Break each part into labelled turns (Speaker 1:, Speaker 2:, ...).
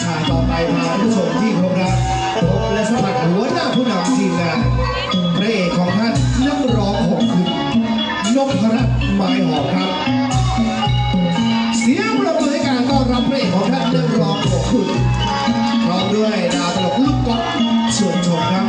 Speaker 1: ฉากต่อไปพาท่านผู้ชมที่เคารพรักพบและสัมผัสหัวหน้าผู้นำทีมงานพระเอกของท่านนักร้องของคุณนพรัตน์ไม้หอมครับเสียงปรบมือให้การต้อนรับพระเอกของท่านนักร้องของคุณพร้อมด้วยดาวตลกลูกก๊อฟชวนชมครับ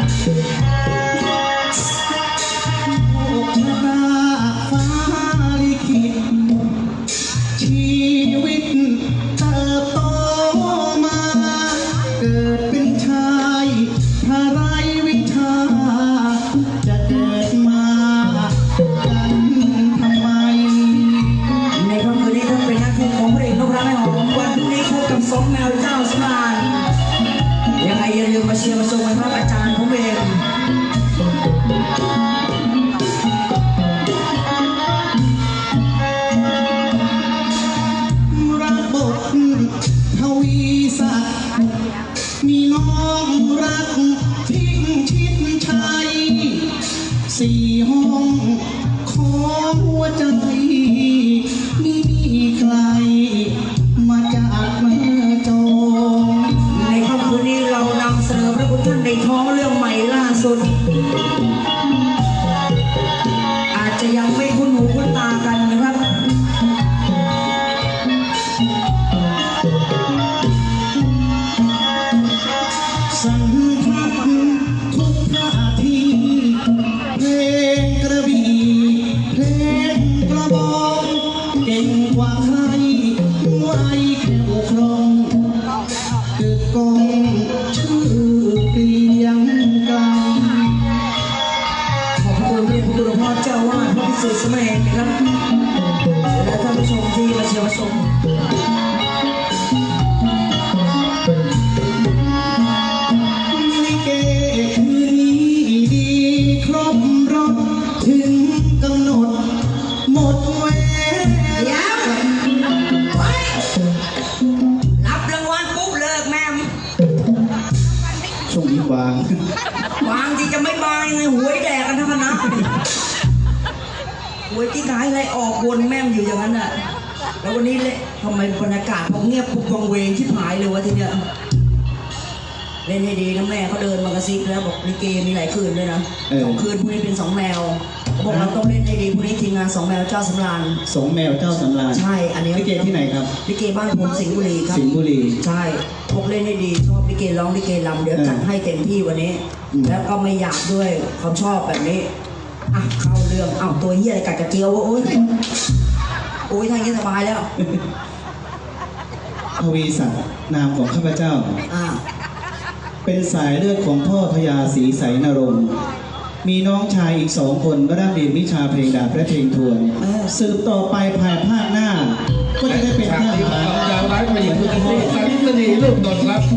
Speaker 2: ฟ้าลิขิตชีวิตเติบโตมาเกิดเป็นชายถ้าไรวิชาจะเกิดมากันทำไม
Speaker 3: ในค่ำคืนนี้ท่านเป็นหน้าที่ของพระเอกนพรัตน์ไม้หอมวันพรุ่งนี้พบกับสองแมวเจ้าสมานยังไงอย่าลืมมาเชียร์มาชมกันครับอาจารย์ผมเอง
Speaker 2: ทวีศักดิ์มีน้องรักทิ้งชิดชัยสี่ห้องของหัวใจไม่มีใครมาจากเมื่อจง
Speaker 3: ในค่ำคืนนี้เรานำเสนอพระคุณท่านในท้องเรื่องใหม่ล่าสุดอาจจะยังไม่คุ้นหูคุ้นตากันนะครับ
Speaker 2: สัมผัสทุกท่าทีเพลงกระบี่เพลงกระบองเก่งกว่าใครไว้แค่วครองกึกก้องชื่อเกลียงไกร
Speaker 3: ขอบคุณพระคุณหลวงพ่อเจ้าวาดพระพิสุทธิ์สมัยนะครับและท่านผู้ชมที่มาเชียร์มาชม
Speaker 2: ถึงกำหนดหมดเวลา
Speaker 3: รับรางวัลปุ๊บเลิกแม่ม
Speaker 2: ช่วงนี้วาง
Speaker 3: ที่จะไม่บางไงหวยแดกกันทั้งคณะหวยที่ขายอะไรออกวนแม่มอยู่อย่างนั้นน่ะแล้ววันนี้เลยทำไมบรรยากาศพอเงียบปุ๊บวังเวงที่หายเลยวะทีเนี้ยเล่นให้ดีนะแม่เขาเดินมากระซิบแล้วบอกลิเกมีหลายคืนด้วยนะ2 คืนพรุ่งนี้เป็น2 แมวบอกเราต้องเล่นให้ดีพรุ่งนี้ทีมงาน2 แมวเจ้าสำราญ
Speaker 2: 2 แมวเจ้าสำราญ
Speaker 3: ใช่อันนี้
Speaker 2: ลิเกที่ไหนครับ
Speaker 3: ลิเกบ้านผมสิงห์บุรีครับ
Speaker 2: สิงห์บุรี
Speaker 3: ใช่พวกเล่นให้ดีชอบลิเกร้องลิเกรำเดี๋ยวจัดให้เต็มที่วันนี้แล้วก็ไม่อยากด้วยความชอบแบบนี้อ่ะเข้าเรื่องตัวเหี้ยอะไรกัดกระเจียวโอ้ยทางนี้สบายแล้ว
Speaker 2: ทวีศักดิ์นามของข้าพเจ้าเป็นสายเลือดของพ่อพญาศรีใสนรงค์มีน้องชายอีก2 คนก็ได้เรียนวิชาเพลงดาบและเพลงทวนสืบต่อไปภายภาคหน้าก็จะได้เป็นทหาร
Speaker 1: ดาวร้ายมาหญิงทุกคนสาริตนีลูกดนครับ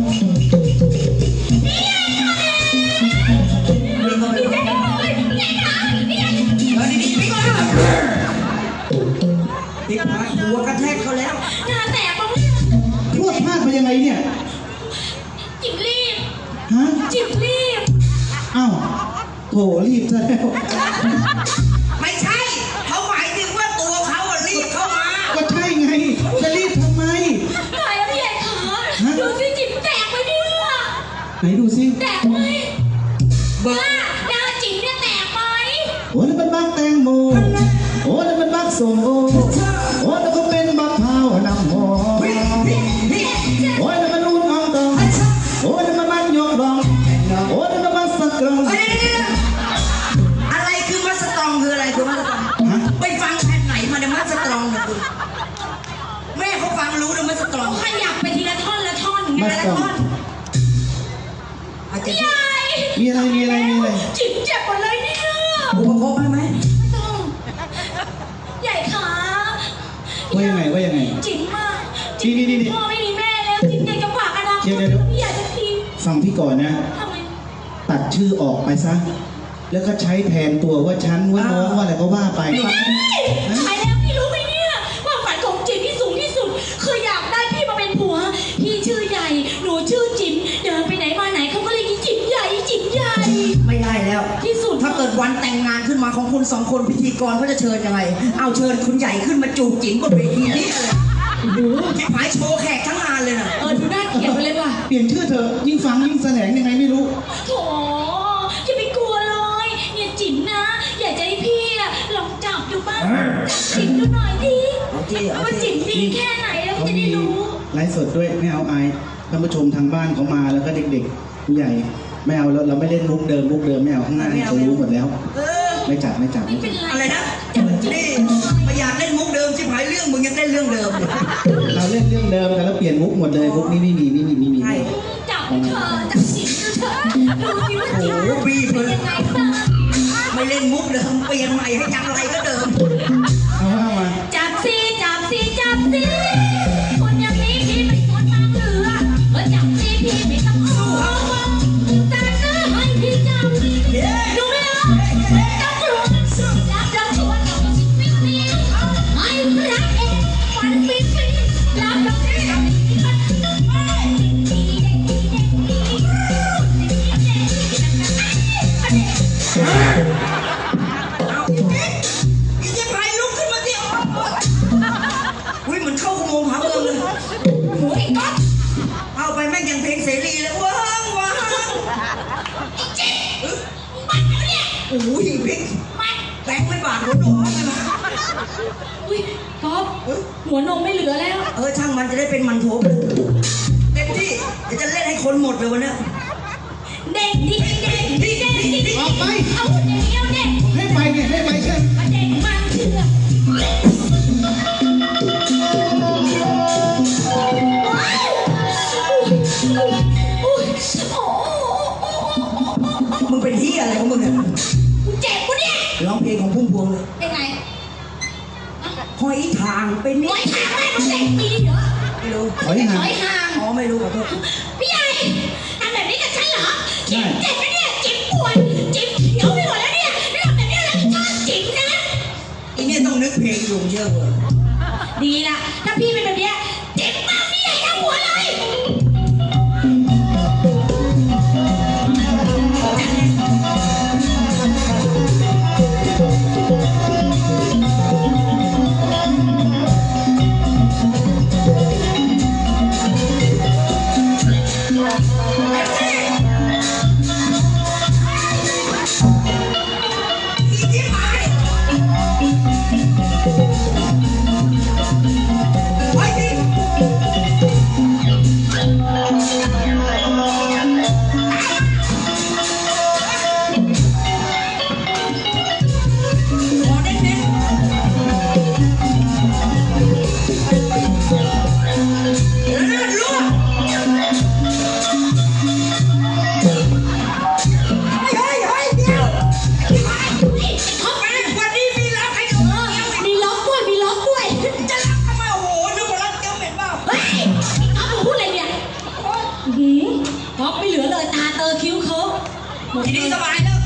Speaker 3: ติดหัวกระแทกเขาแล้ว
Speaker 4: หน้าแตกบ้าง
Speaker 2: พวดพลาดไปยังไงเนี่ย
Speaker 4: จิบรีบ
Speaker 2: จิบ
Speaker 4: รีบ
Speaker 2: อ้าวโถรีบซะแล้ว
Speaker 3: ไม่ใช่เขาหมายถึงว่าตัวเขารีบเข้ามา
Speaker 2: ก็ใช่ไงจะรีบทำไม
Speaker 4: ตายแล้วพี่ใหญ่ขาดูสิจิบแตกไหมเนี่ย
Speaker 2: ไหนดูสิ
Speaker 4: แตกไหมหน้าจิบเนี่ยแตกไหม
Speaker 2: โอ้นั่นเป็นบักแตงโมโอ้นั่นเป็นบักส้มโอโอ้นั่นก็เป็นบักพร้าวน้ำหอมโอ้นั่นมันรุ่นอ่องตองโอ้นั่นมันมันยกดองโอ้นั่นมันมัสตรอง
Speaker 3: อะไรคือมัสตรองคืออะไรคือมัสตรองไปฟังแผ่นไหนมาเนี่ยมัสตรองเนี่ยคุณแม่เขาฟังรู้นะมัสตรอง
Speaker 4: ขยับไปทีละท่อนละท่อนไงละท่อน
Speaker 2: ใหญ่มีอะไร
Speaker 4: จิบเจ็บหมดเลยเนี่ย
Speaker 3: อุปโภคไหม
Speaker 4: ใหญ่ขา
Speaker 2: ว่ายังไง
Speaker 4: จิ๋มมาก
Speaker 2: นี่
Speaker 4: พ่อไม่มีแม่แล้วจิ๋มอยากจะฝากอนาคตพี่อยากจะที
Speaker 2: ฟังพี่ก่อนนะตัดชื่อออกไปซะแล้วก็ใช้แทนตัวว่าฉันว่าน้องว่าอะไรก็ว่าไป
Speaker 4: ใช่แล้วพี่รู้ไหมเนี่ยว่าฝันของจิ๋มที่สูงที่สุดคืออยากได้พี่มาเป็นผัวพี่ชื่อใหญ่หนูชื่อจิ๋มเดินไปไหนมาไหนเขาก็เลยจิ๋มใหญ่
Speaker 3: ไม่ได้แล้ว
Speaker 4: ที่สุด
Speaker 3: ถ้าเกิดวันแต่งงานขึ้นมาของคุณ2 คนพิธีกรเขาจะเชิญยังไงเอาเชิญคุณใหญ่ขึ้นมาจูบจิ๋มบนเวทีนี่เลย
Speaker 4: โอ้โห
Speaker 3: หายโชว์แขกทั้งงานเลยนะ
Speaker 4: ดูน่าเกลียดไปเลยว่ะ
Speaker 2: ปลี่ยนชื่อเถอะยิ่งฟังยิ่งแสลงยังไงไม่รู้
Speaker 4: โถอย่าไปกลัวเลยเนี่ยจิ๋มนะ อยากจะให้พี่อะลองจับดูบ้างจับจิ๋มดูหน่อยดิ
Speaker 3: เอาที่เอา
Speaker 4: ว่า
Speaker 3: ที่
Speaker 4: จิ๋มดีแค่ไหนแล้ว
Speaker 2: เขา
Speaker 4: จะ
Speaker 2: มี
Speaker 4: ได้รู้
Speaker 2: ไลฟ์สดด้วยไม่เอาอายท่านผู้ชมทางบ้านเขามาแล้วก็เด็กๆผู้ใหญ่ไม่เอาแล้วเราไม่เล่นมุกเดิมไม่เอาข้างหน้าเขารู้หมดแล้ว
Speaker 3: เออ
Speaker 2: ไม่จับ
Speaker 4: ไม่เป็นไร
Speaker 3: อะไรนะนี่ไม่อยากเล่นมุกเดิมชิบหายเรื่องมึงยังเล่นเรื่องเดิมอยู่
Speaker 2: เราเล่นเรื่องเดิมกันแล้วเปลี่ยนมุกหมดเลยมุกนี้ไม่มี
Speaker 3: ใช่
Speaker 4: จับเธอจับจิ๋มดูเถอะดูสิว่าจิ๋ม
Speaker 3: โอ้โหบีบ
Speaker 4: เป็
Speaker 3: เล
Speaker 4: น
Speaker 3: ย
Speaker 4: ยังไงบ้าง
Speaker 3: ไม่เล่นมุกเดิมเปลี่ยนใหม่ให้ยังไรก็เดิม
Speaker 2: เอาว่ามา
Speaker 4: จับสิจับสิจับสิคนอย่างนี้พี่ไม่ควรตามเรือจับสิพี่ไม่ต้องเอาจับเนื้อให้พี่จับดูไม่เอาจับตัวจับตัวตัวเราก็สิฟิวฟิวให้รักเองฝันฟิวฟิวจับตัวนี้
Speaker 3: เอาอีกนิดอีกจะไปลุกขึ้นมาสิอุ้ยเหมือนเข้าอุโมงค์หาเมืองเลย
Speaker 4: หัวไอ้ก๊อฟ
Speaker 3: เอาไปแม่งยังเพลงเสรีเลยว้างว้าง
Speaker 4: มันเนี่ย
Speaker 3: โอ้ยพริก
Speaker 4: มัน
Speaker 3: แบงค์ไม่บาดหัวโดนเลยนะ
Speaker 4: อุ้ยก๊อฟหัวนมไม่เหลือแล้ว
Speaker 3: ช่างมันจะได้เป็นมันโถไปเต็มที่เดี๋ยวจะเล่นให้คนหมดเลยวันเนี้ย
Speaker 4: เด็กดิเด็กดิเด็กดิ
Speaker 2: ออกไป
Speaker 4: เอาเด็กเดียวเด็ก
Speaker 2: ให้ไปไงให้ไปเช่น
Speaker 4: เด็กมันเถื่อนอุ้ยโอ้
Speaker 3: มึงเป็นที่อะไรของมึงเนี่ย
Speaker 4: เจ็บกูเนี่ย
Speaker 3: ร้องเพลงของพุ่มพวงเลย
Speaker 4: ยังไง
Speaker 3: หอยทางเป็น
Speaker 4: หน่วยทางแม่มันเด็กปีเหรอ
Speaker 3: ไม่รู้
Speaker 2: ถอยห่าง
Speaker 4: หน่วยทาง
Speaker 3: อ๋อไม่รู้ขอโทษ
Speaker 4: พี่ใหญ่ทำแบบนี้กับฉันเหรอจิ๊บเจ็บนะเนี่ยจิ๊บปวดจิ๊บเขียวไปหมดแล้วเนี่ยไม่ทำแบบนี้แล้วชอบจิ๊บนะ
Speaker 3: อีเนี่ยต้องนึกเพลงอยู่เยอะเลย
Speaker 4: ดีละถ้าพี่เป็นแบบเนี้ยเจ็บมากพี่ใหญ่ทั้งหัวเลย
Speaker 3: อีจิ๊บหายไอ้จิ๊บขอเน้นๆเลือดรั่วเฮ้ยเดี๋ยวเขาไปวันนี้มีรักให้ดูยังไม่
Speaker 4: มีล็อกด้วยมีล็อกด้วย
Speaker 3: จะรักทำไมโอ้โหนึกว่ารักเจ้าเหม็นเปล่า
Speaker 4: เฮ้ยเอาพูดอะไรเนี่ยหืมท็อปไม่เหลือเลยตาเตอคิ้วเขาหมด
Speaker 3: ที
Speaker 4: เล
Speaker 3: นี้
Speaker 4: ย
Speaker 3: สบายแล้ว